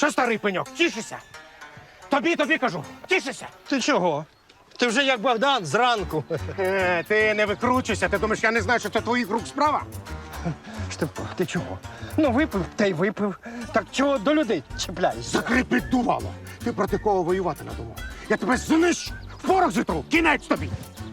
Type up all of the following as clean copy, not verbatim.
Що старий пеньок, тішишся? Тобі кажу, тішишся. Ти чого? Ти вже як Богдан зранку. Ти не викручуйся, ти думаєш, я не знаю, що це твоїх рук справа? Штепко, ти чого? Ну, випив, та й випив. Так чого до людей чіпляєшся? Закріпи дувало. Ти проти кого воювати надумав? Я тебе знищу, в порох зітру, кінець тобі.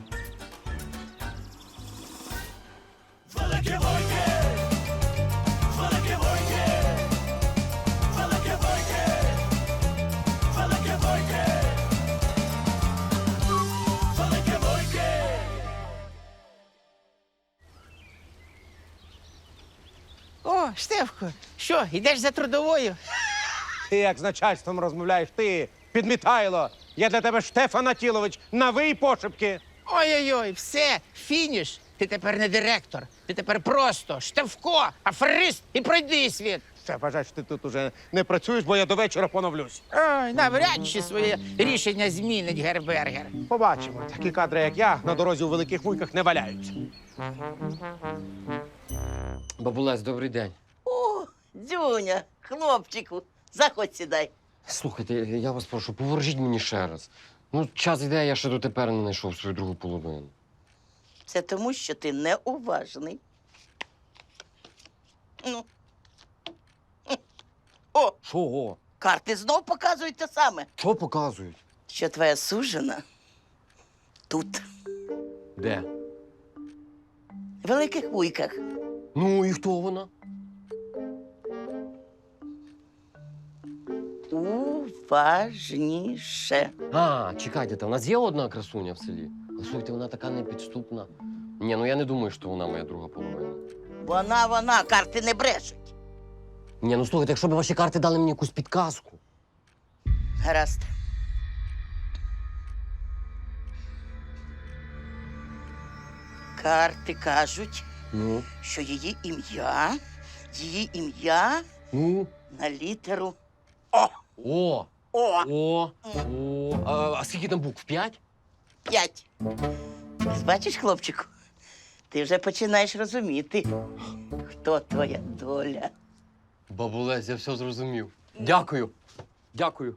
О, Штефко, що, йдеш за трудовою? Ти як з начальством розмовляєш, ти, підмітайло. Я для тебе Штефан Атілович, нави й пошепки. Ой-ой-ой, все, фініш. Ти тепер не директор, ти тепер просто Штефко, аферист і пройди світ. Все, вважай, що ти тут уже не працюєш, бо я до вечора поновлюсь. Ой, навряд чи своє рішення змінить Гербергер. Побачимо. Такі кадри, як я, на дорозі у великих вуйках не валяються. Бабулесь, добрий день. О, Дзюня, хлопчику, заходь сідай. Слухайте, я вас прошу, поворожіть мені ще раз. Ну, час йде, я ще дотепер не знайшов свою другу половину. Це тому, що ти неуважний. Ну. О, Чого? карти знов показують те саме, Що показують? що твоя сужена тут, Де? в великих вуйках. Ну і хто вона? Уважніше. А, чекайте, у нас є одна красуня в селі. Але слухайте, вона така непідступна. Ні, ну я не думаю, що вона моя друга половина. Вона, карти не брешуть. Ні, ну слухайте, якщо б ваші карти дали мені якусь підказку. Гаразд. Карти кажуть, Ну, що її ім'я ну. на літеру О! О. О! О! А скільки там букв? 5? 5. Бачиш, хлопчику, ти вже починаєш розуміти, хто твоя доля. Бабулесь, я все зрозумів. Дякую. Дякую.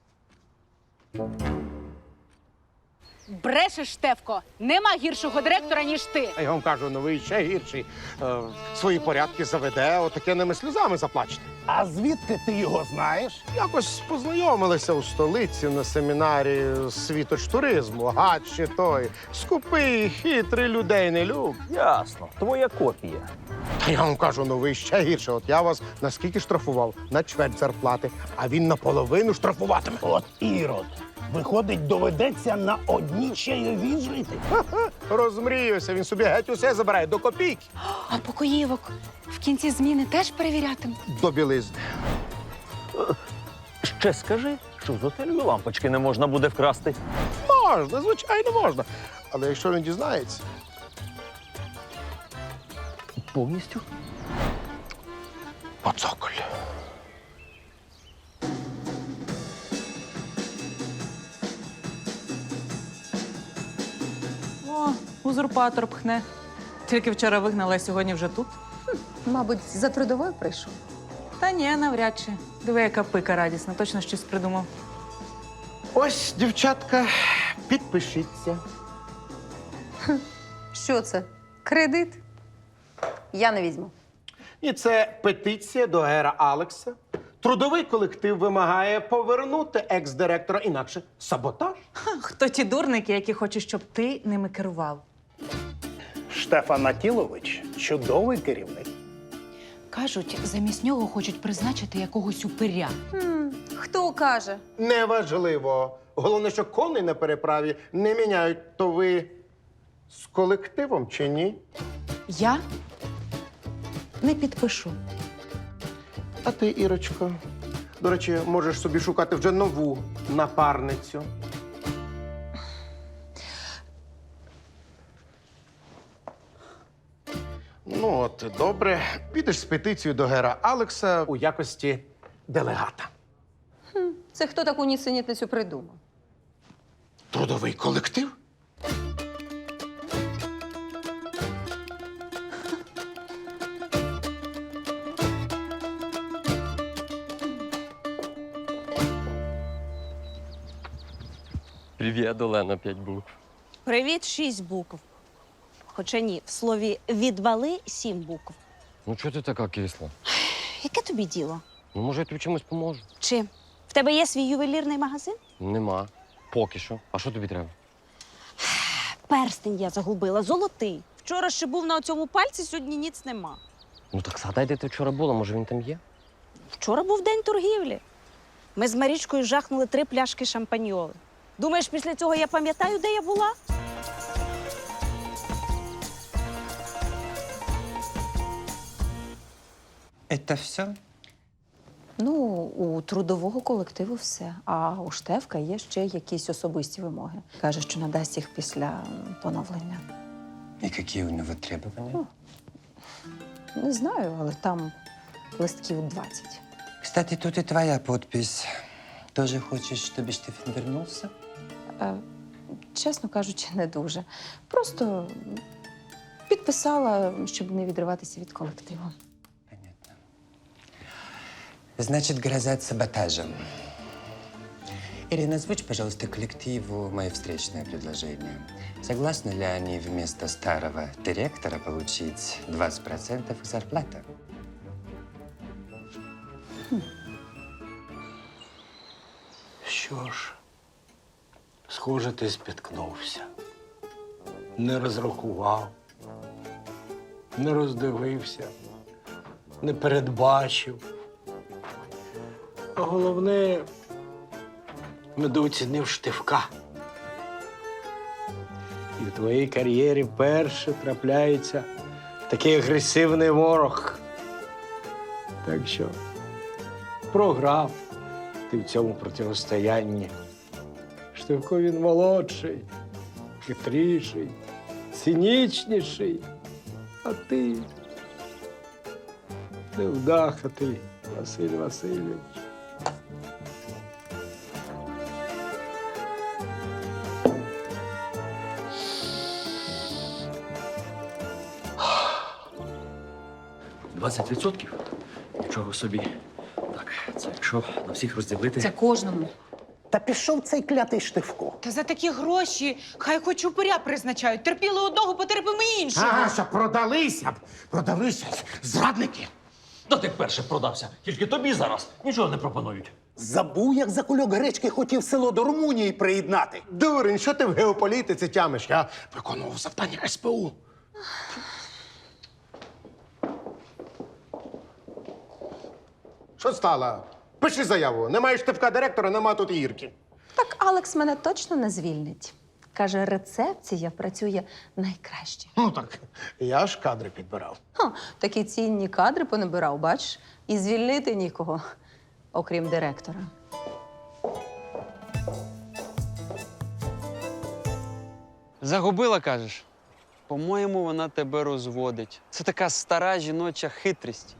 Брешеш, Штефко. Нема гіршого директора, ніж ти. А я вам кажу, новий ще гірший. Свої порядки заведе, отакеними сльозами заплачете. А звідки ти його знаєш? Якось познайомилися у столиці на семінарі світоч-туризму. Гад ще той. Скупий, хитрий, людей не люб. Ясно, твоя копія. Та я вам кажу, новий ще гірше. От я вас наскільки штрафував? На чверть зарплати, а він наполовину штрафуватиме. От ірод. Виходить, доведеться на одній чайовій жити. Розмріюся, він собі геть усе забирає до копійки. А покоївок в кінці зміни теж перевірятимуть. До білизни. Ще скажи, що з готелю лампочки не можна буде вкрасти. Можна, звичайно, можна. Але якщо він дізнається, Повністю? поцоколь. О, узурпатор пхне. Тільки вчора вигнала, а сьогодні вже тут. Мабуть, за трудовою прийшов. Та ні, навряд чи. Диви, яка пика радісна, точно щось придумав. Ось, дівчатка, підпишіться. Що це? Кредит? Я не візьму. І це петиція до Гера Алекса. Трудовий колектив вимагає повернути екс-директора, інакше саботаж. Хто ті дурники, які хочуть, щоб ти ними керував? Штефан Атілович – чудовий керівник. Кажуть, замість нього хочуть призначити якогось упиря. Хто каже? Неважливо. Головне, що коней на переправі не міняють. То ви з колективом чи ні? Я не підпишу. А ти, Ірочко, до речі, можеш собі шукати вже нову напарницю. Ну от, добре. Підеш з петицією до Гера Алекса у якості делегата. Це хто таку нісенітницю придумав? Трудовий колектив? Привіт, Олена, 5 букв. Привіт, 6 букв. Хоча ні, в слові відвали 7 букв. Ну чого ти така кисла? Яке тобі діло? Ну, може, я тобі чимось поможу? Чи в тебе є свій ювелірний магазин? Нема. Поки що. А що тобі треба? Перстень я загубила, золотий. Вчора ще був на цьому пальці, сьогодні ніц нема. Ну так згадай, де ти вчора була, може він там є? Вчора був день торгівлі. Ми з Марічкою жахнули 3 пляшки шампаньоли. Думаєш, після цього я пам'ятаю, де я була? Це все? Ну, у трудового колективу все. А у Штефка є ще якісь особисті вимоги. Каже, що надасть їх після поновлення. І які у нього требування? Не знаю, але там листків 20. Кстати, тут і твоя підпись. Тоже хочеш, щоб Штефан вернувся? Чесно кажучи, не дуже. Просто підписала, щоб не відриватися від колективу. Понятно. Значит, грозят саботажем. Ирина, озвучь, пожалуйста, коллективу мои встречные предложения. Согласны ли они вместо старого директора получить 20% их зарплаты? Що ж, схоже, ти спіткнувся. Не розрахував, не роздивився, не передбачив. А головне, недооцінив Штефка. І в твоїй кар'єрі вперше трапляється такий агресивний ворог. Так що програв ти в цьому протистоянні. Штефко він молодший, хитріший, цинічніший, а ти невдахатий Василь Васильович. Нічого собі. Так, це якщо на всіх розділити. Це кожному. Та пішов цей клятий Штефко. Та за такі гроші хай хоч упиря призначають. Терпіли одного, потерпимо іншого. Що продалися зрадники. Та ти перше продався. Тільки тобі зараз нічого не пропонують. Забув, як за кульок гречки хотів село до Румунії приєднати. Дурень, що ти в геополітиці тямиш? Я виконував завдання СПУ. Що стало? Пиши заяву. Немає Штефка директора, нема тут і Ірки. Так Алекс мене точно не звільнить. Каже, рецепція працює найкраще. Ну так, я ж кадри підбирав. Такі цінні кадри понабирав, бачиш? І звільнити нікого, окрім директора. Загубила, кажеш? По-моєму, вона тебе розводить. Це така стара жіноча хитрість.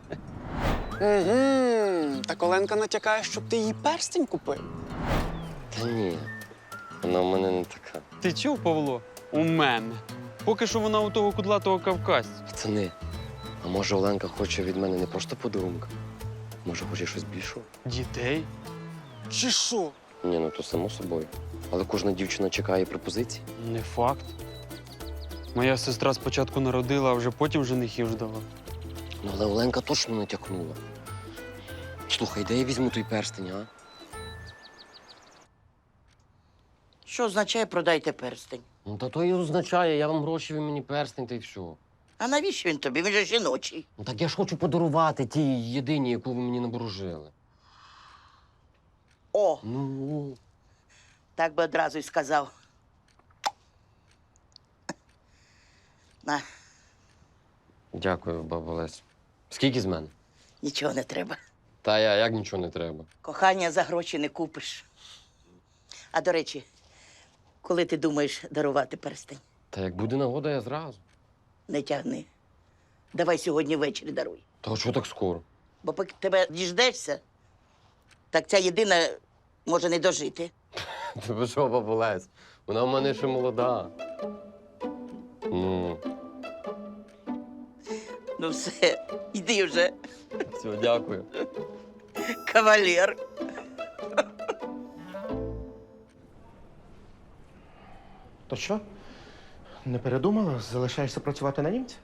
Так Оленка натякає, щоб ти їй перстень купив. Та ні. Вона в мене не така. Ти чув, Павло? У мене. Поки що вона у того кудлатого кавказця. Пацани, а може Оленка хоче від мене не просто подарунка? Може, хоче щось більшого? Дітей? Чи що? Ні, ну то само собою. Але кожна дівчина чекає пропозиції. Не факт. Моя сестра спочатку народила, а вже потім женихів ждала. Ну, але Оленка точно натякнула. Слухай, де я візьму той перстень, а? Що означає продайте перстень? Ну, та то і означає, я вам гроші, ви мені перстень, та й все. А навіщо він тобі? Він же жіночий. Ну, так я ж хочу подарувати тій єдиній, яку ви мені наборожили. О, Ну, так би одразу й сказав. На, дякую, баба Лесь. Скільки з мене? нічого не треба. Та як нічого не треба. Кохання за гроші не купиш. А до речі, коли ти думаєш дарувати перстень? Та як буде нагода, я зразу. Не тягни. Давай сьогодні ввечері даруй. Та що так скоро? Бо поки тебе діждешся, так ця єдина може не дожити. Ти ви що, баба Лесь? Вона в мене ще молода. Ну, Ну все, йди вже, все, дякую. кавалер. То що? Не передумала? Залишаєшся працювати на німця?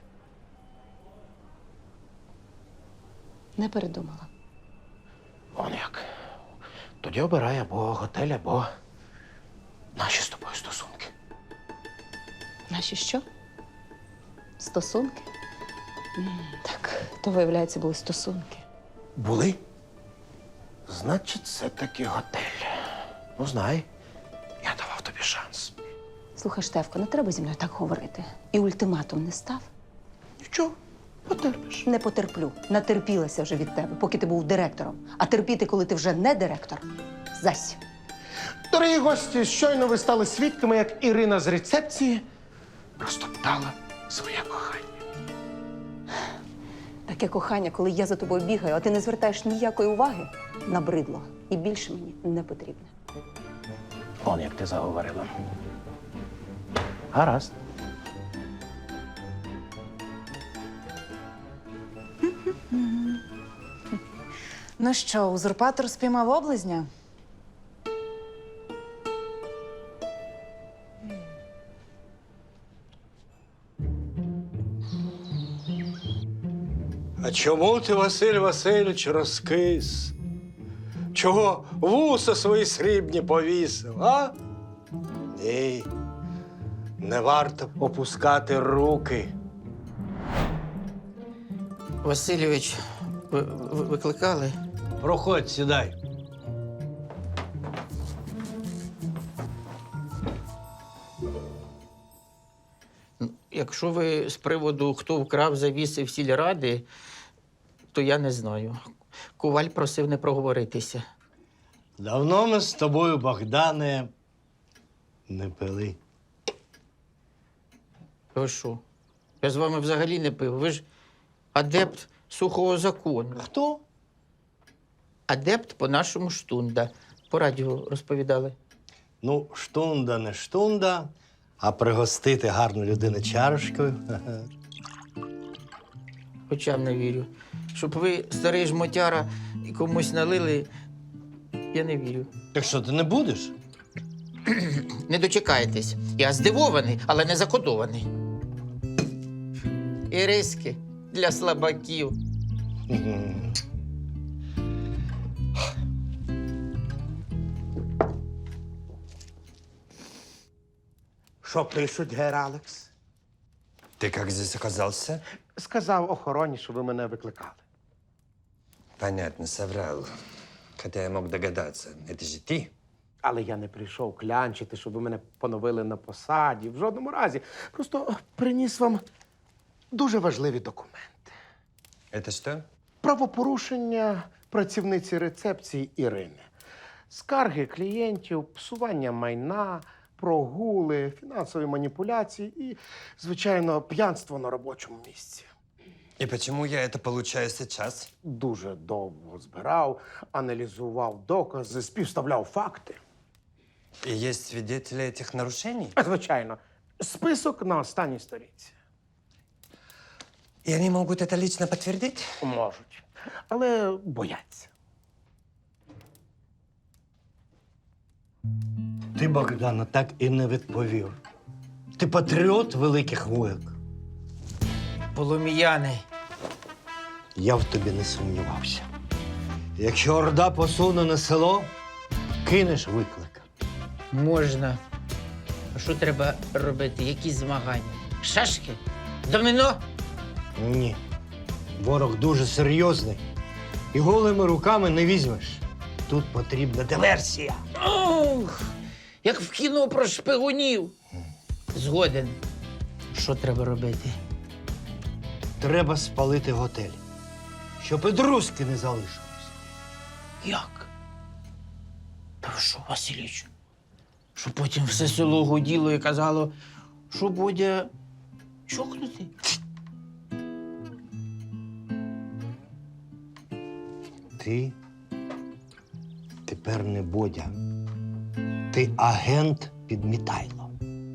Не передумала. Он як. Тоді обирай або готель, або наші з тобою стосунки. Наші що? Стосунки? Так, то, виявляється, були стосунки. Були? Значить, це таки готель. Ну, знай, я давав тобі шанс. Слухай, Штефко, не треба зі мною так говорити. І ультиматум не став. Нічого, потерпиш. Не потерплю. Натерпілася вже від тебе, поки ти був директором. А терпіти, коли ти вже не директор, зась. Дорогі гості, щойно ви стали свідками, як Ірина з рецепції розтоптала своє кохання. Таке кохання, коли я за тобою бігаю, а ти не звертаєш ніякої уваги, набридло. І більше мені не потрібно. Он як ти заговорила. Гаразд. Ну що, узурпатор спіймав облизня? А чому ти, Василь Васильович, розкис? Чого вуса свої срібні повісив, а? Ні. Не варто опускати руки. Васильович, ви викликали? Проходь, сідай. Якщо ви з приводу, хто вкрав завіси в сільради, то я не знаю. Коваль просив не проговоритися. Давно ми з тобою, Богдане, не пили. Ви що? Я з вами взагалі не пив. Ви ж адепт сухого закону. Хто? Адепт по-нашому штунда. По радіо розповідали. Ну, штунда не штунда, а пригостити гарну людину чарочкою. Хоча б не вірю. Щоб ви, старий жмотяра, і комусь налили, я не вірю. Так що, ти не будеш? Не дочекаєтесь. Я здивований, але не закодований. Іриски для слабаків. Що пишуть, гер Алекс? Ты как здесь оказался? Сказав охороні, що ви мене викликали. Понятно, соврал. Хотя я мог догадаться. Это же ты? Але я не прийшов клянчити, щоб ви мене поновили на посаді. В жодному разі. Просто приніс вам дуже важливі документи. Это что? Правопорушення працівниці рецепції Ірини. Скарги клієнтів, псування майна, прогули, фінансові маніпуляції і, звичайно, п'янство на робочому місці. И почему я это получаю сейчас? Дуже довго збирав, аналізував докази, співставляв факти. И есть свидетели этих нарушений? Звичайно, список на останній сторінці. И они могут это лично подтвердить? Можуть, але бояться. Ти, Богдана, так і не відповів. Ти патріот великих воїк. Полум'яни. Я в тобі не сумнівався. Якщо Орда посуне на село, кинеш виклик. Можна. А що треба робити? Які змагання? Шашки? Доміно? Ні. Ворог дуже серйозний. І голими руками не візьмеш. Тут потрібна диверсія. Ох, як в кіно про шпигунів. Згоден. Що треба робити? Треба спалити готель, щоб і друзки не залишилось. Як? Та ви що, Васильович? Щоб потім все село гуділо і казало, що Бодя чокнути? Ти тепер не Бодя. Ти агент Підмітайло.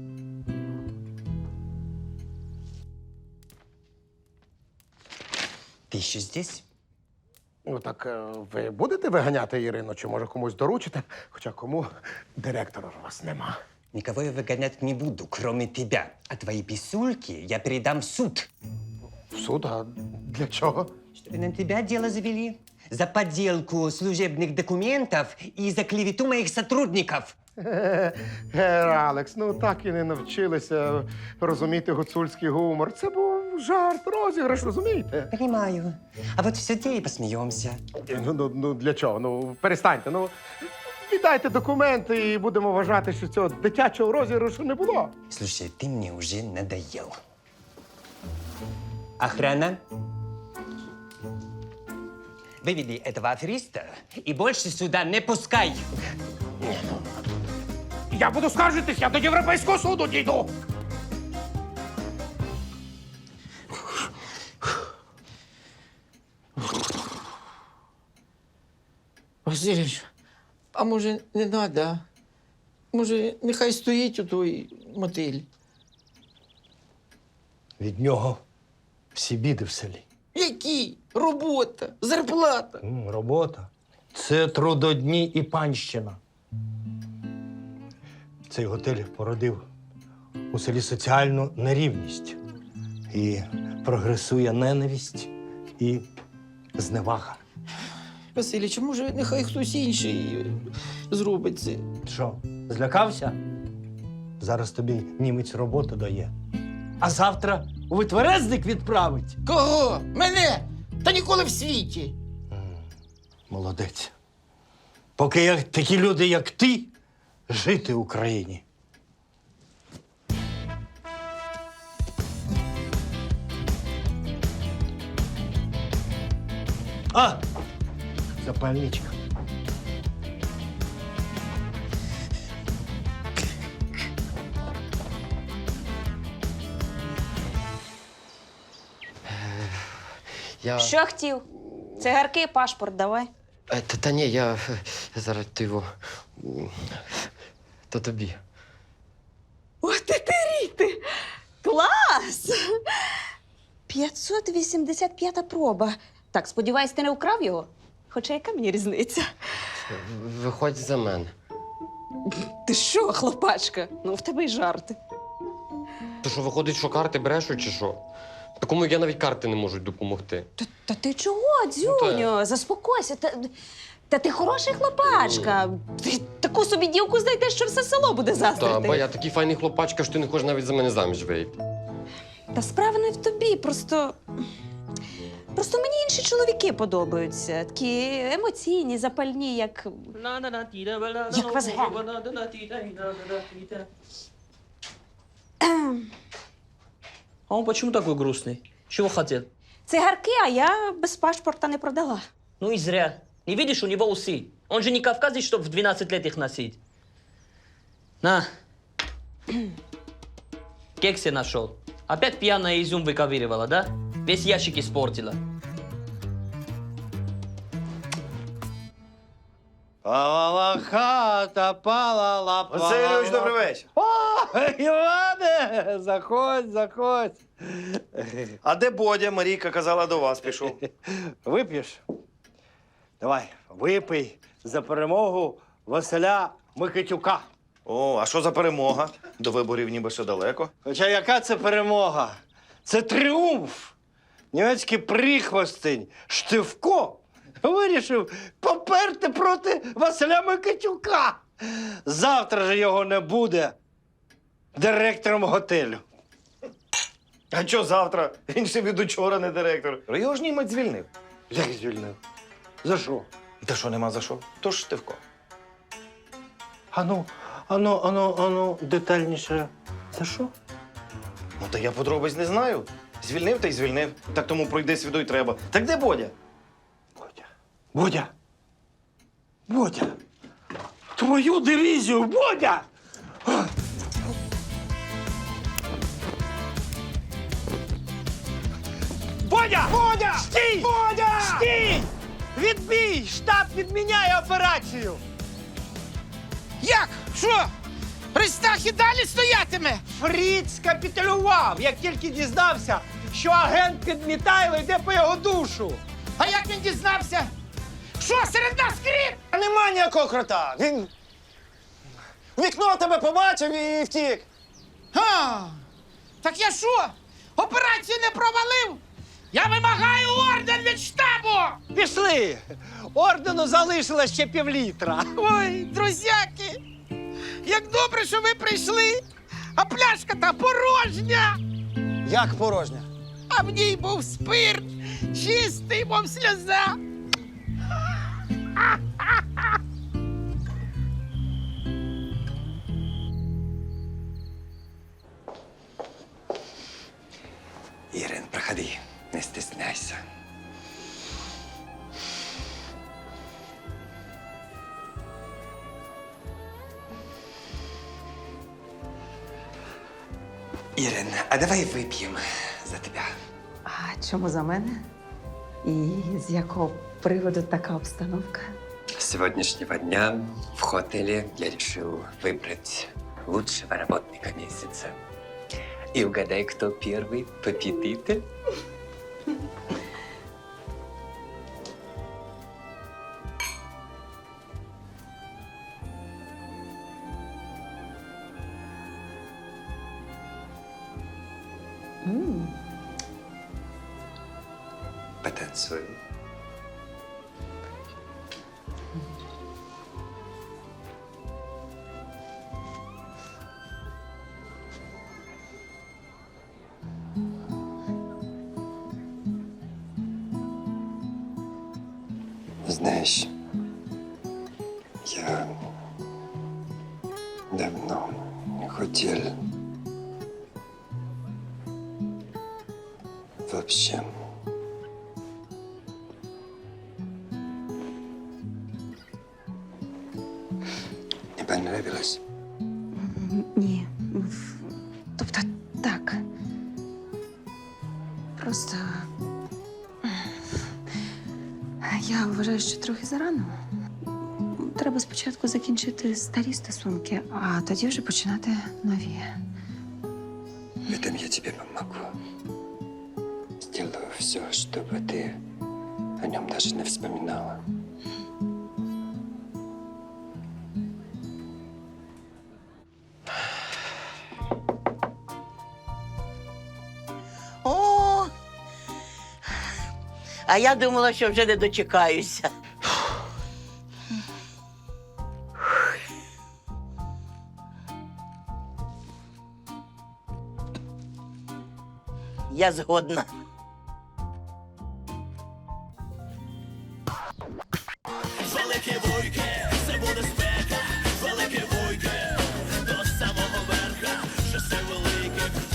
Ты еще здесь? Ну так ви будете виганяти Ірину, чи може комусь доручите? Хоча кому директора у вас нема. Никого я выгонять не буду, кроме тебя. А твои писульки я передам в суд. В суд? А для чого? Чтобы на тебя дело завели. За подделку служебных документов и за клевету моих сотрудников. Алекс, ну так і не навчилися розуміти гуцульський гумор. Це був жарт, розіграш, розумієте? Понимаю. А вот в суде и посмеемся. Ну для чого? Ну, перестаньте. Ну, віддайте документи і будемо вважати, що цього дитячого розіграшу не було. Слушай, ты мне уже надоел. Охрана, выведи этого афериста и больше сюда не пускай. Я буду скаржитись, я до Європейського суду дійду. Васильович, а може не треба? А? Може, нехай стоїть у той мотель? Від нього всі біди в селі. Які? Робота, зарплата. Робота. Це трудодні і панщина. Цей готель породив у селі соціальну нерівність. І прогресує ненависть і зневага. Васильович, може, нехай хтось інший зробить це? Що, злякався? Зараз тобі німець роботу дає. А завтра у витверезник відправить. Кого? Мене? Та ніколи в світі. Молодець. Поки є такі люди, як ти, жити в Україні. А! Запальничка. Я... Що хотів? Цигарки, пашпорт давай. Та ні, я зараз ти його. То тобі. О, ти! Клас! 585-та проба. Так, сподіваюсь, ти не украв його? Хоча яка мені різниця? Виходь за мене. Ти що, хлопачка? Ну, в тебе й жарти. То що, виходить, що карти брешуть чи що? Такому, як я, навіть карти не можуть допомогти. Та ти чого, дзюню? Заспокойся. Та ти хороший хлопачка. Ти таку собі дівку знайдеш, що все село буде заздрити. Та, бо я такий файний хлопачка, що ти не хочеш навіть за мене заміж вийти. Та справа не в тобі, просто мені інші чоловіки подобаються. Такі емоційні, запальні, як Вазген. А он почему такой грустный? Чего хотел? Цигарки, а я без пашпорта не продала. Ну и зря. Не видишь, у него усы. Он же не кавказец, чтобы в 12 лет их носить. На. Кекси нашел. Опять пьяная изюм выковыривала, да? Весь ящик испортила. Палала хата, палала. Васильович, добрий вечір. О, Іване, заходь. А де Бодя? Марійка казала, до вас пішов. Вип'єш? Давай, випий за перемогу Василя Микитюка. О, а що за перемога? До виборів ніби ще далеко. Хоча яка це перемога? Це тріумф. Німецький прихвостень Штивко вирішив поперти проти Василя Микитюка. Завтра же його не буде директором готелю. А що завтра? Він ще від учора не директор. Його ж німець звільнив. Як звільнив? За що? Та що нема за що? То ж Штивко. Ану, детальніше. За що? Ну, та я подробиць не знаю. Звільнив та й звільнив. Так тому пройди свіду й треба. Так де Бодя? Бодя! Твою дивізію, Бодя! Бодя! Стій! Стій! Відбій! Штаб відміняє операцію! Як? Що? Ристах і далі стоятиме? Фріц капітулював, як тільки дізнався, що агент Підмітайло йде по його душу. А як він дізнався? Що, серед нас кріт? А нема ніякого крота. Він вікно тебе побачив і втік. Так я що? Операцію не провалив? Я вимагаю орден від штабу! Пішли! Ордену залишилось ще півлітра. Ой, друзяки! Як добре, що ви прийшли, а пляшка та порожня! Як порожня? А в ній був спирт, чистий, мов сльоза. Ирин, проходи, не стесняйся. Ирин, а давай выпьем за тебя. А чому за мене? І з якого приводу така обстановка? С сегодняшнего дня в хотеле я решил выбрать лучшего работника месяца. И угадай, кто первый победитель? Потанцуем. Знаешь, я давно не хотел вообще. Не понравилось? Ні. Тобто так. Просто я вважаю, що трохи зарано. Треба спочатку закінчити старі стосунки, а тоді вже починати нові. В этом я тебе помогу. Сделаю все, чтобы ты о нем даже не вспоминала. О! А я думала, що вже не дочекаюся. Я згодна. Велике вуйки, до самого верха, що все велике.